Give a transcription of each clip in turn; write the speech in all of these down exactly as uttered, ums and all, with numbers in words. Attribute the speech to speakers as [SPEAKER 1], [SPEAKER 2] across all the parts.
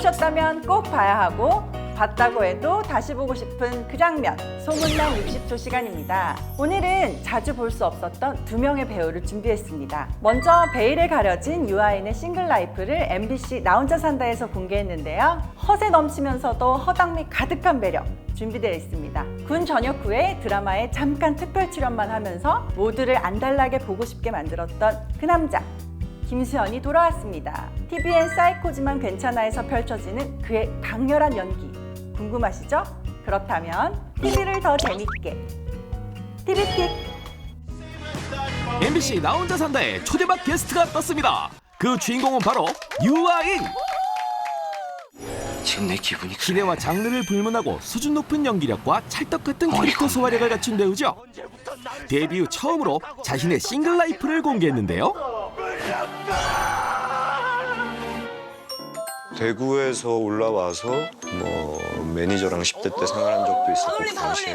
[SPEAKER 1] 보셨다면 꼭 봐야 하고 봤다고 해도 다시 보고 싶은 그 장면, 소문난 육십 초 시간입니다. 오늘은 자주 볼 수 없었던 두 명의 배우를 준비했습니다. 먼저 베일에 가려진 유아인의 싱글 라이프를 엠비씨 나 혼자 산다에서 공개했는데요. 허세 넘치면서도 허당미 가득한 매력 준비되어 있습니다. 군 전역 후에 드라마에 잠깐 특별 출연만 하면서 모두를 안달나게 보고 싶게 만들었던 그 남자 김수현이 돌아왔습니다. 티비엔 사이코지만 괜찮아에서 펼쳐지는 그의 강렬한 연기 궁금하시죠? 그렇다면 티비를 더 재밌게 티비픽.
[SPEAKER 2] 엠비씨 나 혼자 산다에 초대박 게스트가 떴습니다. 그 주인공은 바로 유아인.
[SPEAKER 3] 지금 내 기분이 그래.
[SPEAKER 2] 기대와 장르를 불문하고 수준 높은 연기력과 찰떡 같은 캐릭터 소화력을 갖춘 배우죠. 데뷔 후 처음으로 자신의 싱글 라이프를 공개했는데요.
[SPEAKER 4] 대구에서 올라와서 뭐 매니저랑 십 대 때 생활한 적도 있었고 그 당시에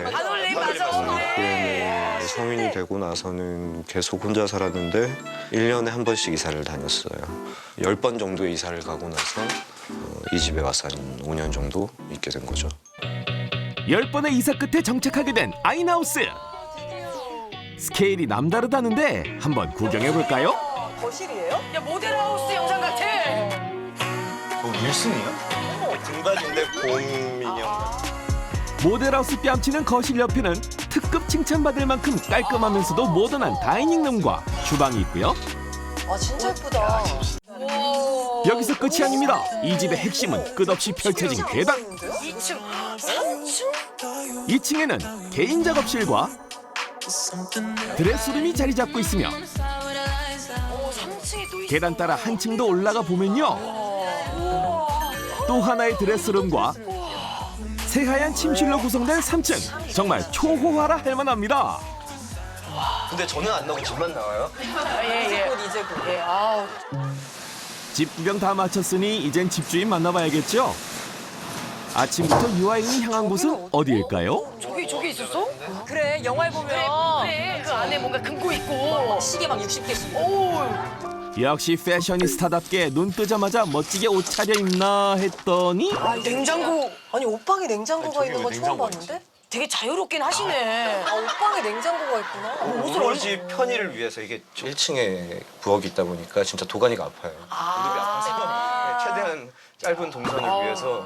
[SPEAKER 4] 후에는 성인이 되고 나서는 계속 혼자 살았는데 일 년에 한 번씩 이사를 다녔어요. 열 번 정도의 이사를 가고 나서 어, 이 집에 와서 한 오 년 정도 있게 된 거죠.
[SPEAKER 2] 열 번의 이사 끝에 정착하게 된 아인하우스. 스케일이 남다르다는데 한번 구경해볼까요?
[SPEAKER 5] 거실이에요?
[SPEAKER 6] 야 모델하우스 영상 같아.
[SPEAKER 4] 어, 윌슨이야? 등받인데 곰 인형.
[SPEAKER 2] 모델하우스 뺨치는 거실 옆에는 특급 칭찬받을 만큼 깔끔하면서도 모던한 다이닝룸과 주방이 있고요.
[SPEAKER 5] 아 진짜 예쁘다.
[SPEAKER 2] 여기서 끝이 아닙니다. 이 집의 핵심은 끝없이 펼쳐진 계단.
[SPEAKER 6] 이 층, 삼 층?
[SPEAKER 2] 이 층에는 개인 작업실과 드레스룸이 자리 잡고 있으며
[SPEAKER 6] 어, 삼 층이 또 있어.
[SPEAKER 2] 계단 따라 한 층 더 올라가 보면요. 또 하나의 드레스룸과 새하얀 침실로 구성된 삼 층. 정말 초호화라 할 만합니다.
[SPEAKER 3] 근데 저는 안 나오고 집만 나와요?
[SPEAKER 6] 예, 예.
[SPEAKER 5] 곧 이제 곧.
[SPEAKER 6] 예, 아우.
[SPEAKER 2] 집 구경 다 마쳤으니 이젠 집주인 만나봐야겠죠? 아침부터 유아인이 향한 곳은 어디일까요?
[SPEAKER 6] 저기 저기 있었어?
[SPEAKER 5] 그래 영화에 보면
[SPEAKER 6] 그래, 그 안에 뭔가 금고 있고.
[SPEAKER 5] 시계 막 육십 개씩.
[SPEAKER 6] 오,
[SPEAKER 2] 역시 패셔니스타답게 눈 뜨자마자 멋지게 옷 차려입나 했더니
[SPEAKER 5] 아,
[SPEAKER 6] 냉장고.
[SPEAKER 5] 아니 옷방에 냉장고가 있는 건 처음 봤는데?
[SPEAKER 6] 되게 자유롭긴 하시네.
[SPEAKER 5] 아 옷방에 냉장고가 있구나.
[SPEAKER 6] 옷을
[SPEAKER 3] 오로지 편의를 위해서 이게 일 층에 부엌이 있다 보니까 진짜 도가니가 아파요. 무릎이 아파서 최대한 짧은 동선을 위해서.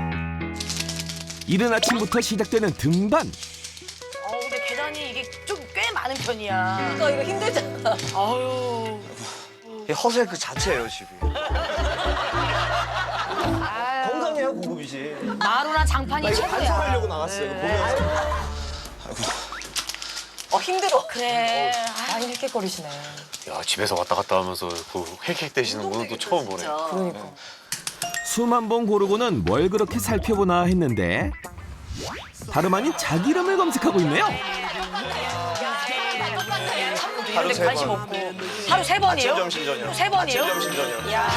[SPEAKER 2] 이른 아침부터 시작되는 등반.
[SPEAKER 6] 어, 근데 계단이 이게 좀 꽤 많은 편이야.
[SPEAKER 5] 그러니까 이거 힘들잖아.
[SPEAKER 6] 아유.
[SPEAKER 3] 이게 허세 그 자체예요, 집이. 건강해요, 고급이지.
[SPEAKER 6] 마루나 장판이 최고야.
[SPEAKER 3] 반성하려고 나왔어요, 이거 보면서.
[SPEAKER 5] 어 힘들어.
[SPEAKER 6] 그래.
[SPEAKER 5] 많이 헥헥거리시네.
[SPEAKER 7] 야, 집에서 왔다 갔다 하면서 그 헥헥대시는 분은 또 처음 보네.
[SPEAKER 5] 그러니까.
[SPEAKER 2] 수만 번 고르고는 뭘 그렇게 살펴보나 했는데 다름 아닌 자기 이름을 검색하고 있네요.
[SPEAKER 3] 하루
[SPEAKER 6] 근데
[SPEAKER 3] 세
[SPEAKER 6] 관심
[SPEAKER 3] 번.
[SPEAKER 6] 없고. 하루 세 번이에요?
[SPEAKER 3] 아침, 점심, 저녁.
[SPEAKER 6] 세 번이요?
[SPEAKER 3] 아침, 점심, 저녁.
[SPEAKER 6] 야.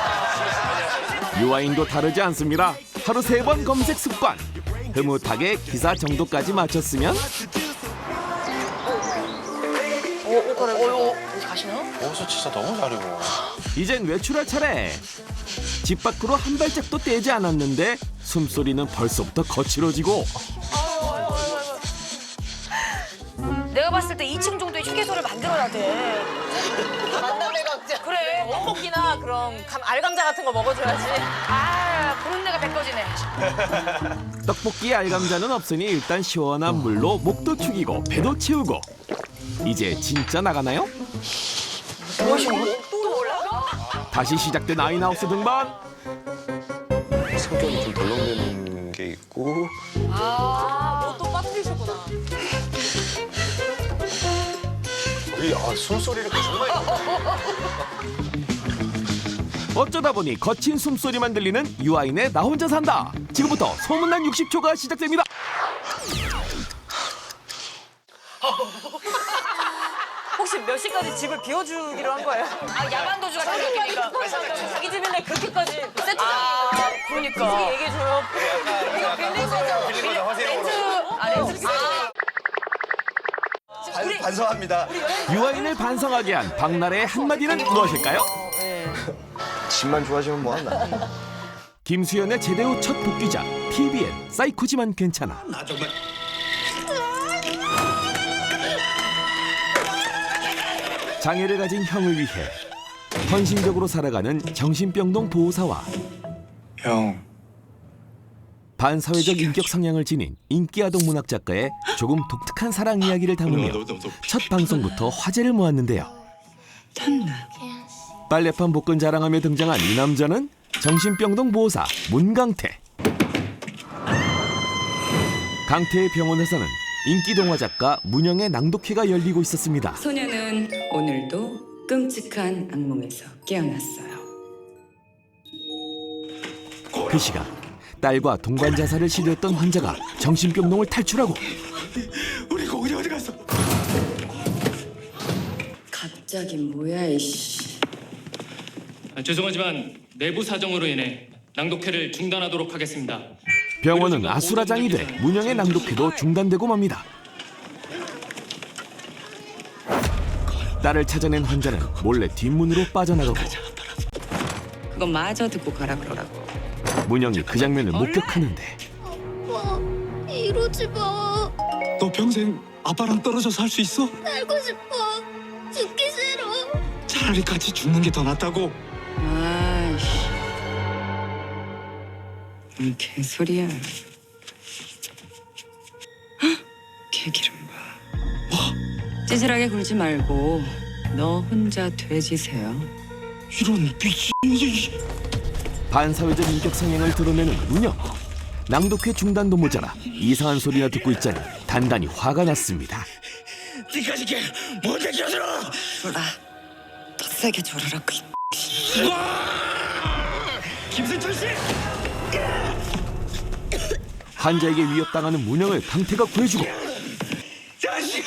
[SPEAKER 2] 유아인도 다르지 않습니다. 하루 세 번 검색 습관. 흐뭇하게 기사 정도까지 마쳤으면
[SPEAKER 6] 오, 오, 그래. 오, 어디 가시나?
[SPEAKER 7] 옷을 진짜 너무 잘 입어.
[SPEAKER 2] 이젠 외출할 차례. 집 밖으로 한 발짝도 떼지 않았는데 숨소리는 벌써부터 거칠어지고
[SPEAKER 6] 내가 봤을 때 이 층 정도의 휴게소를 만들어야 돼.
[SPEAKER 5] 만남의 각자.
[SPEAKER 6] 그래.
[SPEAKER 5] 떡볶이나 그런 감, 알감자 같은 거 먹어줘야지.
[SPEAKER 6] 아, 보는 내가 배꺼지네.
[SPEAKER 2] 떡볶이 알감자는 없으니 일단 시원한 물로 목도 축이고 배도 채우고 이제 진짜 나가나요? 다시 시작된 아인하우스 등반.
[SPEAKER 4] 성격이 좀 덜렁대는 게 있고
[SPEAKER 5] 아, 또 빠뜨리셨구나.
[SPEAKER 3] 우리 아, 숨소리를 정말.
[SPEAKER 2] 어쩌다 보니 거친 숨소리만 들리는 유아인의 나 혼자 산다. 지금부터 소문난 육십 초가 시작됩니다.
[SPEAKER 5] 혹시 몇 시까지 집을 비워주기로 한 거예요?
[SPEAKER 6] 아, 야간 도주가 생겼으니까.
[SPEAKER 5] 자기 집인데 그렇게까지 세트장이
[SPEAKER 6] 아, 그러니까.
[SPEAKER 5] 얘기해줘요. 이거 빌린 거죠?
[SPEAKER 3] 빌린 거죠, 허세용으로.
[SPEAKER 5] 아, 렌즈.
[SPEAKER 3] 반, 반성합니다.
[SPEAKER 2] 유아인을 반성하게 한 박나래의 한마디는 무엇일까요?
[SPEAKER 4] 집만 좋아하시면 뭐하나.
[SPEAKER 2] 김수현의 제대 후 첫 복귀작 티비엔 사이코지만 괜찮아. 장애를 가진 형을 위해 헌신적으로 살아가는 정신병동 보호사와
[SPEAKER 7] 형.
[SPEAKER 2] 반사회적 인격 성향을 지닌 인기 아동 문학 작가의 조금 독특한 사랑 이야기를 담으며 첫 방송부터 화제를 모았는데요. 빨래판 복근 자랑하며 등장한 이 남자는 정신병동 보호사 문강태. 강태의 병원에서는 인기 동화 작가 문영의 낭독회가 열리고 있었습니다.
[SPEAKER 8] 소녀는 오늘도 끔찍한 악몽에서 깨어났어요.
[SPEAKER 2] 그 시각 딸과 동반 자살을 시도했던 환자가 정신병동을 탈출하고
[SPEAKER 7] 우리 고은이 어디 갔어?
[SPEAKER 8] 갑자기 뭐야 이씨.
[SPEAKER 9] 아, 죄송하지만 내부 사정으로 인해 낭독회를 중단하도록 하겠습니다.
[SPEAKER 2] 병원은 아수라장이 돼 문영의 낭독회도 중단되고 맙니다. 딸을 찾아낸 환자는 몰래 뒷문으로 빠져나가고
[SPEAKER 8] 그거 마저 듣고 가라 그러라고.
[SPEAKER 2] 문영이 그 장면을 목격하는데
[SPEAKER 10] 아빠, 이러지 마.
[SPEAKER 7] 너 평생 아빠랑 떨어져 살 수 있어?
[SPEAKER 10] 살고 싶어. 죽기 싫어.
[SPEAKER 7] 차라리 같이 죽는 게 더 낫다고.
[SPEAKER 8] 아이씨. 뭔 개소리야. 헉, 개기름 봐. 뭐? 찌질하게 굴지 말고 너 혼자 돼지세요.
[SPEAKER 7] 이런 미친.
[SPEAKER 2] 반사회적 인격 성향을 드러내는 문영. 낭독회 중단도 모자라 이상한 소리나 듣고 있자니 단단히 화가 났습니다.
[SPEAKER 7] 니까지 게 뭔데 껴들어?
[SPEAKER 8] 졸아. 더 세게 졸으라고.
[SPEAKER 7] 김승철 씨.
[SPEAKER 2] 환자에게 위협당하는 문영을 강태가 구해주고
[SPEAKER 7] 자식.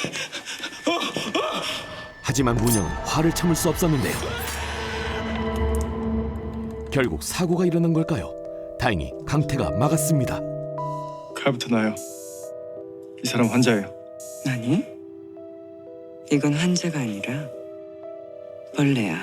[SPEAKER 2] 하지만 문영은 화를 참을 수 없었는데요. 결국 사고가 일어난 걸까요? 다행히 강태가 막았습니다.
[SPEAKER 7] 칼부터 나요. 이 사람 환자예요.
[SPEAKER 8] 아니, 이건 환자가 아니라 벌레야.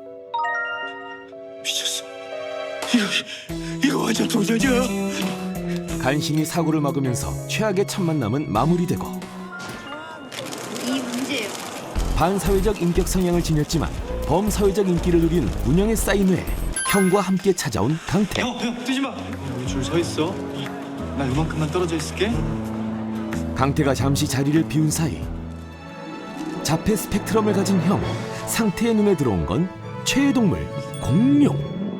[SPEAKER 7] 미쳤어. 이거 이거 완전 도전이야.
[SPEAKER 2] 간신히 사고를 막으면서 최악의 첫 만남은 마무리되고
[SPEAKER 10] 이 문제예요.
[SPEAKER 2] 반사회적 인격 성향을 지녔지만 범사회적 인기를 누린 문영의 쌓인 후에 형과 함께 찾아온 강태.
[SPEAKER 7] 형, 형 뛰지 마. 여기 줄 서 있어. 나 이만큼만 떨어져 있을게.
[SPEAKER 2] 강태가 잠시 자리를 비운 사이 자폐 스펙트럼을 가진 형 상태의 눈에 들어온 건 최애 동물 공룡.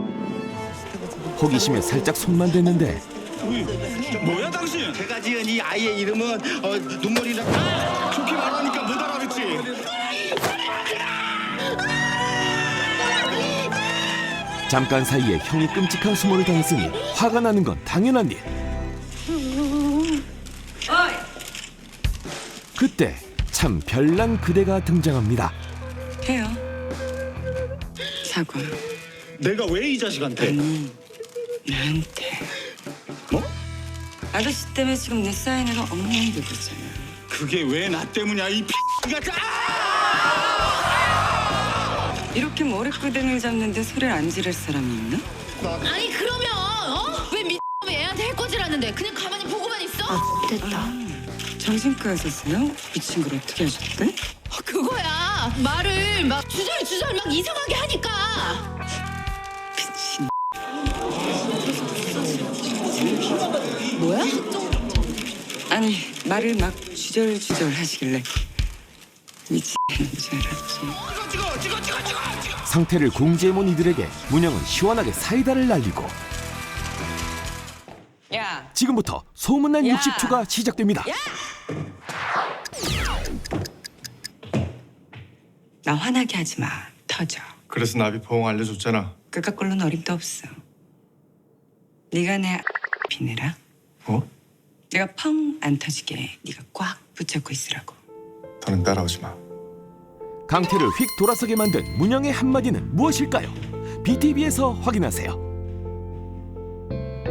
[SPEAKER 2] 호기심에 살짝 손만 댔는데
[SPEAKER 7] 뭐야 당신? 제가 지은 이 아이의 이름은 어, 눈물이 나. 아! 좋게 말하니까 못 알아듣지.
[SPEAKER 2] 잠깐 사이에 형이 끔찍한 수모를 당했으니 화가 나는 건 당연한 일. 그때 참 별난 그대가 등장합니다.
[SPEAKER 8] 해요. 사과.
[SPEAKER 7] 내가 왜 이 자식한테?
[SPEAKER 8] 아니, 나한테.
[SPEAKER 7] 뭐?
[SPEAKER 8] 아저씨 때문에 지금 내 사인회가 엉망이 되고 있잖아.
[SPEAKER 7] 그게 왜 나 때문이야 이 X같아!
[SPEAKER 8] 이렇게 머리끄댕이를 잡는데 소리를 안 지를 사람이 있나?
[SPEAKER 10] 아니 그러면 어? 왜 미친놈이 애한테 해코지라는데 그냥 가만히 보고만 있어?
[SPEAKER 6] 됐다.
[SPEAKER 8] 정신과에서요? 미친 걸 어떻게 하셨대?
[SPEAKER 10] 어, 그거야. 말을 막 주절주절 막 이상하게 하니까.
[SPEAKER 8] 미친.
[SPEAKER 10] 뭐야?
[SPEAKER 8] 아니 말을 막 주절주절 하시길래 미친 줄 알았지.
[SPEAKER 2] 상태를 공지해몬 이들에게 문영은 시원하게 사이다를 날리고
[SPEAKER 8] 야,
[SPEAKER 2] 지금부터 소문난
[SPEAKER 8] 야.
[SPEAKER 2] 육십초가 시작됩니다.
[SPEAKER 8] 나 화나게 하지 마. 터져.
[SPEAKER 7] 그래서 나비 포옹 알려줬잖아.
[SPEAKER 8] 그깟 걸로는 어림도 없어. 네가 내 비내라.
[SPEAKER 7] 뭐?
[SPEAKER 8] 내가 펑 안 터지게 네가 꽉 붙잡고 있으라고.
[SPEAKER 7] 더는 따라오지 마.
[SPEAKER 2] 강태를 휙 돌아서게 만든 문영의 한마디는 무엇일까요? 비티비에서 확인하세요.